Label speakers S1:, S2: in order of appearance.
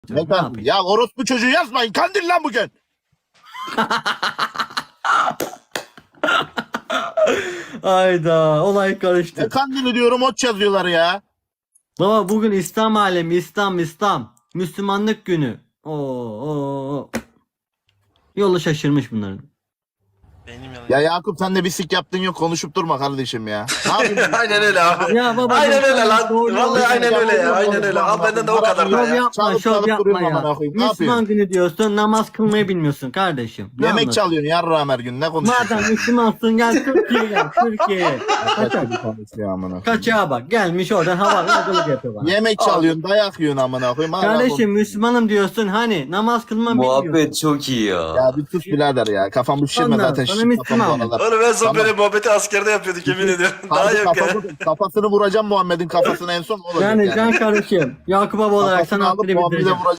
S1: Ne
S2: Ne
S1: kandil?
S2: yapayım?
S1: Ya orospu çocuğu yazmayın. Kandil lan bugün.
S2: Ayda olay
S1: Ne
S2: karıştı.
S1: kandili diyorum, ot yazıyorlar ya.
S2: Baba bugün İslam alemi, İslam. Müslümanlık günü. Oo. Yolu şaşırmış bunların.
S3: Benim
S1: Ya
S3: yanım.
S1: Yakup, sen de bir sik yaptın yok, konuşup durma kardeşim ya. Ne yapıyorsun?
S3: Aynen öyle abi.
S2: Ya baba,
S3: Aynen öyle lan.
S2: doğru
S3: Vallahi
S2: yolu
S3: aynen öyle ya. Aynen öyle. Al benden de o kadar da
S2: Şov
S3: ya.
S2: yapma,
S1: Çalıp
S2: şov
S1: çalıp
S2: yapma
S1: duruyorum
S2: ya.
S1: amına koyayım. Ne
S2: Müslüman
S1: yapıyorsun?
S2: günü diyorsun, namaz kılmayı bilmiyorsun kardeşim. Ne
S1: Yemek
S2: anlatıyorsun?
S1: çalıyorsun yarrağım her gün. Ne konuşuyorsun?
S2: Madem Müslümansın gel Türkiye'ye gel. Türkiye'ye.
S1: Kaç gibi konuşuyor amına koyayım.
S2: Kaçağa bak. Gelmiş oradan havalı yapıyor bana.
S1: Yemek çalıyorsun, dayak yiyorsun amına koyayım. Hala
S2: Kardeşim
S1: konuşuyorsun.
S2: Müslümanım diyorsun, hani namaz kılmam bilmiyorsun.
S4: Muhabbet çok iyi ya.
S1: Ya bir sus birader ya. Kafamı şişirme
S2: Ondan
S1: zaten.
S2: sonra
S1: Şişir kafam bu
S2: Müslüman.
S1: aralar.
S3: Oğlum en son
S1: Tamam.
S3: böyle muhabbeti askerde yapıyorduk yemin ediyorum. Daha
S1: Harbi
S3: yok ya.
S1: kafasını vuracağım Muhammed'in kafasına en son, ne olacak
S2: Yani
S1: yani.
S2: can kardeşim. Yakup Baba olarak
S1: Kafasını
S2: sana
S1: alıp
S2: hakkını
S1: Muhammed'e
S2: bildireceğim.
S1: vuracağım.